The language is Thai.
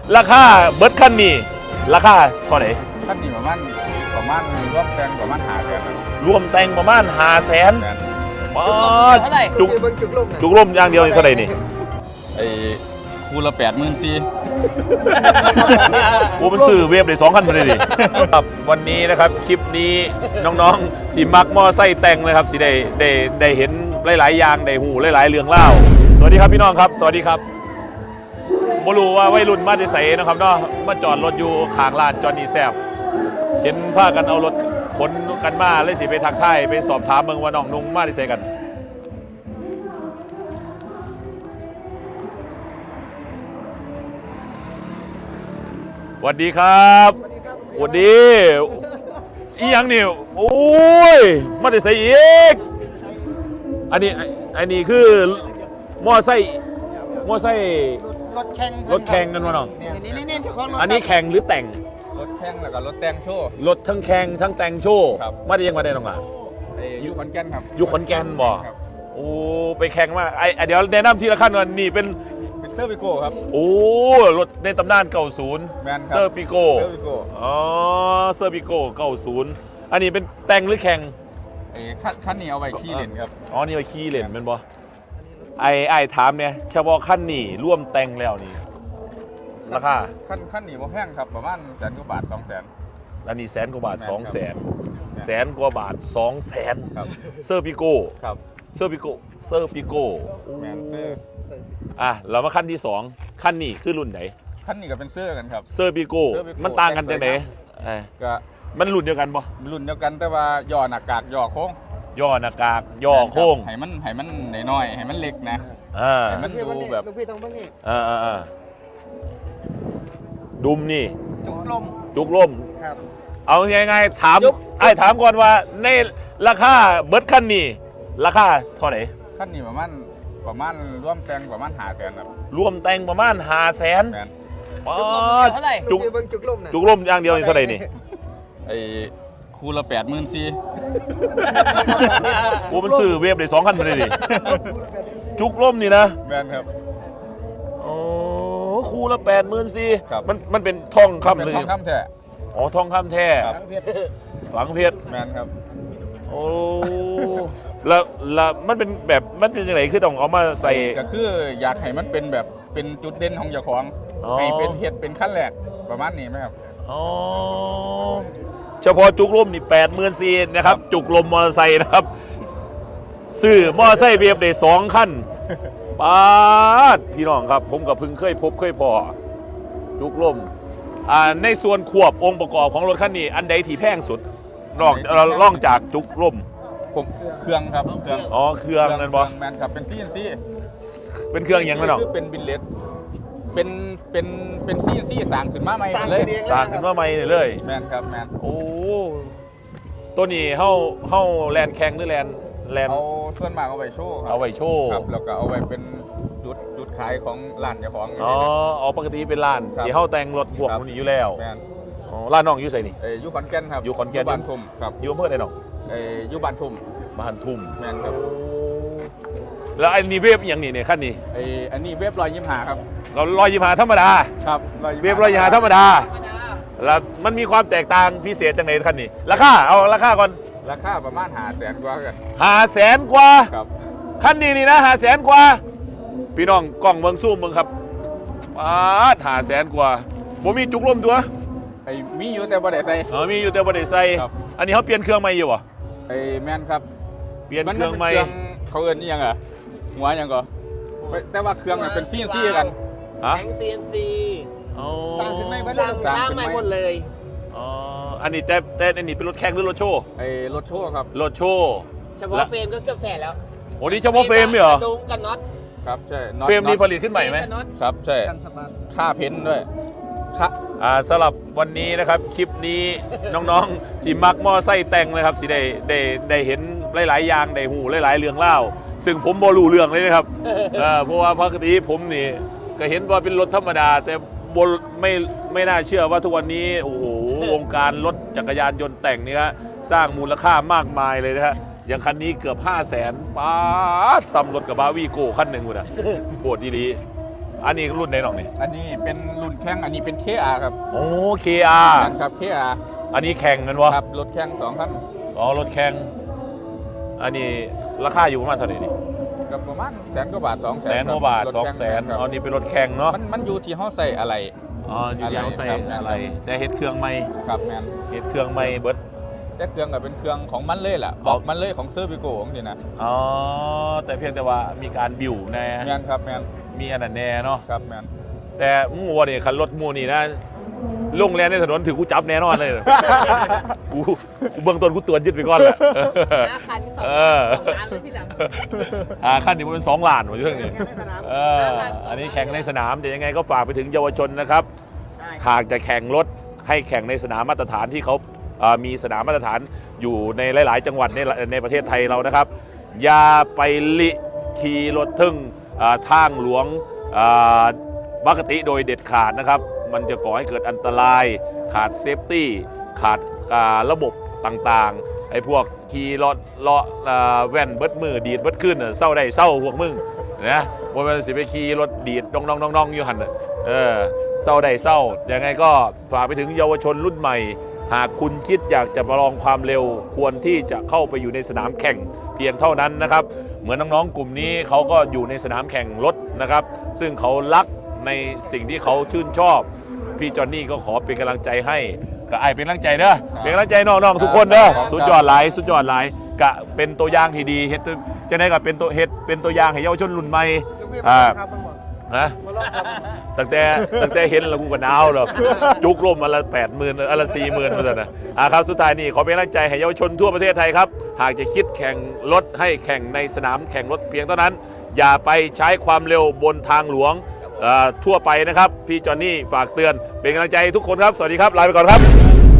ราคาเบิร์ดคันนี้ราคาเท่าไหร่คันนี้ประมาณรวมแต่งประมาณ500,000 รวมแต่งประมาณ500,000บาทจุกลมอย่างเดียวเท่าไหร่นี่ไอ้คูละ84,000 กูเป็นซื้อเวฟได้2 คันมาเลยดิครับวันนี้นะครับคลิปนี้น้องๆที่มักมอไซค์แต่งนะครับสิได้เห็นหลายๆอย่างได้หูหลายๆเรื่องเล่าสวัสดีครับพี่น้องครับสวัสดีครับบ่รู้ว่าวัยรุ่นมาที่ไสนะครับเนาะมาจอดรถอยู่ข้างร้านจอห์นนี่แซ่บเห็นพากันเอารถขนกันมาเลยสิไปทักทายไปสอบถามเมืองว่าน้องนุ่งมาที่ไสกันสวัสดีครับสวัสดีอีหยังนี่โอ้ยมาที่ไสอีกอันนี้คือมอไซค์รถแข่งกันวะน้องอันนี้แข่งหรือแต่งรถแข่งแล้วก็รถแต่งโชว์รถทั้งแข่งทั้งแต่งโชว์มาได้ยังมาได้น้องอ่ะอยู่ขอนแก่นครับอยู่ขอนแก่นบ่โอ้ไปแข่งมาเดี๋ยวแนะนำทีละขั้นก่อนนี่เป็นเซอร์ปิโก้ครับโอ้รถในตำนาน90เซอร์ปิโก้อ๋อเซอร์ปิโก้90อันนี้เป็นแต่งหรือแข่งขั้นนี้เอาไว้ขี่เล่นครับอ๋อนี่ไว้ขี่เล่นเป็นบ่ไอ้ถามเนี่ยเฉพาะขั้นนี้ร่วมแต่งแล้วนี่ราคาขั้นนี้บ่แพงครับประมาณ100,000 กว่าบาท 200,000 อันนี้100,000 กว่าบาท 200,000 100,000 กว่าบาท 200,000 ครับเซอร์ปิโก้ครับเซอร์ปิโก้แมนเซอร์เรามาขั้นที่2ขั้นนี้คือรุ่นไหนขั้นนี้ก็เป็นเซอร์กันครับเซอร์ปิโก้มันต่างกันจังได๋ก็มันรุ่นเดียวกันบ่รุ่นเดียวกันแต่ว่าย่อหน้ากากย่อโค้งย่อหน้ากากย่อโค้งให้มันน้อยๆให้มันเล็กนะให้มันดูแบบดุมนี่จุกลมครับเอาไงถามก่อนว่าในราคาเบิร์ดคันนี้ราคาเท่าไหร่คันนี้ประมาณรวมแต่งประมาณ500,000ครับรวมแต่งประมาณ500,000บาทจุกลมอย่างเดียวเท่าไหร่นี่ไอ้คูละ84,000 กูเป็นซื้อเวฟได้2 คันมาเลยดิจุกลมนี่นะแมนครับอ๋อคูละ84,000มันเป็นทองคำเลยทองคำแท้อ๋อทองคำแท้ฝังเพชรแมนครับโอ้แล้วมันเป็นแบบมันเป็นยังไงคือต้องเอามาใส่ก็คืออยากให้มันเป็นแบบเป็นจุดเด่นของเจ้าของให้เป็นเห็ดเป็นขั้นแรกประมาณนี้ไหมครับอ๋อเฉพาะจุกลมนี่84,000นะครับจุกลมมอเตอร์ไซค์นะครับซื้อมอเตอร์ไซค์เวฟได้2 คันป้าดพี่น้องครับผมกับพึ่งเคยพบพอจุกลมในส่วนควบองค์ประกอบของรถคันนี้อันใดที่แพงสุดล่องจากจุกลมผมเครื่องครับเครื่องเครื่องนั่นบอแมนครับเป็นCNC เป็นเครื่องอย่างนั้นหรอเป็นบิลเลตเป็นCNCสั่งขึ้นมาใหม่เลยสั่งขึ้นมาใหม่เลยแมนครับแมนโอ้ตัวนี้เฮาแลนแข่งหรือแลนเอาส่วนมากเอาไว้โชว์เอาไว้โชว์ครับแล้วก็เอาไว้เป็นจุดขายของร้านเจ้าของปกติเป็นร้านที่เฮาแต่งรถพวกนี้อยู่แล้วร้านน้องอยู่ไสนี่อยู่ขอนแก่นครับอยู่ขอนแก่นบ้านทุ่มครับอยู่อำเภอใดน้องอยู่บ้านทุ่มแม่นครับแล้วอันนี้เวฟอย่างนี้เนี่ยขั้นนี้อันนี้เวฟ125ครับเรา125ธรรมดาครับเวฟ125ธรรมดาแล้วมันมีความแตกต่างพิเศษจังไหนขั้นนี้ราคาเอาราคาก่อนราคาประมาณ500,000 กว่ากัน 500,000 กว่าครับขั้นนี้นี่นะ500,000 กว่าพี่น้องกล้องเมืองซูมเมืองครับ500,000 กว่าผมมีจุกลมตัวมีอยู่แต่บ่ได้ใส่มีอยู่แต่บ่ได้ใส่อันนี้เขาเปลี่ยนเครื่องใหม่อยู่เหรอแม่นครับเปลี่ยนเครื่องใหม่เขาเอิ้นนี่ยังอ่ะหัวยังก็แต่ว่าเครื่องเป็นCNCกันแข็งCNCสร้างขึ้นใหม่สร้างใหม่หมดเลยอันนี้แต่อันนี้เป็นรถแข่งหรือรถโชว์รถโชว์ครับรถโชว์เฉพาะเฟรมก็เกือบ100,000แล้วโอ้นี่เฉพาะเฟรมเหรอกันน็อตครับใช่เฟรมนี้ผลิตขึ้นใหม่ไหมครับใช่ค่าเพ้นด้วยสำหรับวันนี้นะครับคลิปนี้น้องๆที่มักมอไซค์แต่งนะครับสิได้เห็นหลายๆอย่างได้หูหลายๆเรื่องเล่าซึ่งผมบ่รู้เรื่องเลยนะครับเพราะว่าปกติผมนี่ก็เห็นว่าเป็นรถธรรมดาแต่ไม่น่าเชื่อว่าทุกวันนี้โอ้โหวงการรถจักรยานยนต์แต่งนี่ฮะสร้างมูลค่ามากมายเลยนะฮะอย่างคันนี้เกือบ500,000 ป้าซ้ำรถกับบาวีโก้คันหนึ่งเลยนะโคตรดีอันนี้รุ่นไหนน้องนี่อันนี้เป็นรุ่นแข่งอันนี้เป็น KR ครับโอ้ KR ครับ KR อันนี้แข่งกันวะครับรถแข่ง2 คันอ๋อรถแข่งอันนี้ราคาอยู่ประมาณเท่าไหร่นี่กับประมาณ100,000 กว่าบาท 200,000 แสนกว่าบาท 200,000 อ๋อนี่เป็นรถแข่งเนาะมันอยู่ที่เฮาใส่อะไรอ๋ออยู่ที่เขาใส่ครับอะไรแต่เฮ็ดเครื่องไม่ครับแมนเฮ็ดเครื่องไม่เบิดแต่เครื่องก็เป็นเครื่องของมันเลยล่ะบอกมันเลยของเซอร์วิโก้ของนี่นะอ๋อแต่เพียงแต่ว่ามีการบิวแน่แมนครับแมนมีอันนั้นแน่เนาะครับแมนแต่มูวนี่คันรถมูนี่นะลงแลนในถนนถือกูจับแน่นอนเลย กูเบื้องต้นกูตรวจยึดไปก่อนแหละ 5 คัน2 เออล้านเลยที่หลังขั้นนี้มันเป็น2 ล้านหมดเรื่องนี้แข่งในสนามอันนี้แข่งในสนามแต่ยังไงก็ฝากไปถึงเยาวชนนะครับหากจะแข่งรถให้แข่งในสนามมาตรฐานที่เขามีสนามมาตรฐานอยู่ในหลาย ๆ จังหวัดในประเทศไทยเรานะครับ อย่าไปลิขี่รถทึ่งทางหลวงปกติโดยเด็ดขาดนะครับ มันจะก่อให้เกิดอันตรายขาดเซฟตี้ขาดระบบต่างๆไอ้พวกขี่รถเลาะแว่นเบิดมือดีดเบิดขึ้นเศร้าได้เศร้าพวกมึงนะว่ามันสิไปขี่รถดีดน้องๆอยู่หันเศร้าได้เศร้ายังไงก็ฝากไปถึงเยาวชนรุ่นใหม่ หากคุณคิดอยากจะประลองความเร็วควรที่จะเข้าไปอยู่ในสนามแข่งเพียงเท่านั้นนะครับเหมือนน้องๆกลุ่มนี้เขาก็อยู่ในสนามแข่งรถนะครับซึ่งเขารักในสิ่งที่เขาชื่นชอบพี่จอนนี่ก็ขอเป็นกำลังใจให้ก็ไอเป็นกำลังใจเด้อเป็นกำลังใจน้องๆทุกคนเด้อสุดยอดหลายสุดยอดหลายกะเป็นตัวอย่างที่ดีเฮ็ดจะได้กับเป็นตัวอย่างให้เยาวชนรุ่นใหม่ฮะตั้งแต่เห็นแล้วกูก็หนาวหรอกจุกลมอันละ80,000อันละ40,000เหมือนกันนะครับสุดท้ายนี่ขอเป็นกำลังใจให้เยาวชนทั่วประเทศไทยครับหากจะคิดแข่งรถให้แข่งในสนามแข่งรถเพียงเท่านั้นอย่าไปใช้ความเร็วบนทางหลวงทั่วไปนะครับพี่จอนนี่ฝากเตือนเป็นกำลังใจให้ทุกคนครับสวัสดีครับลาไปก่อนครับ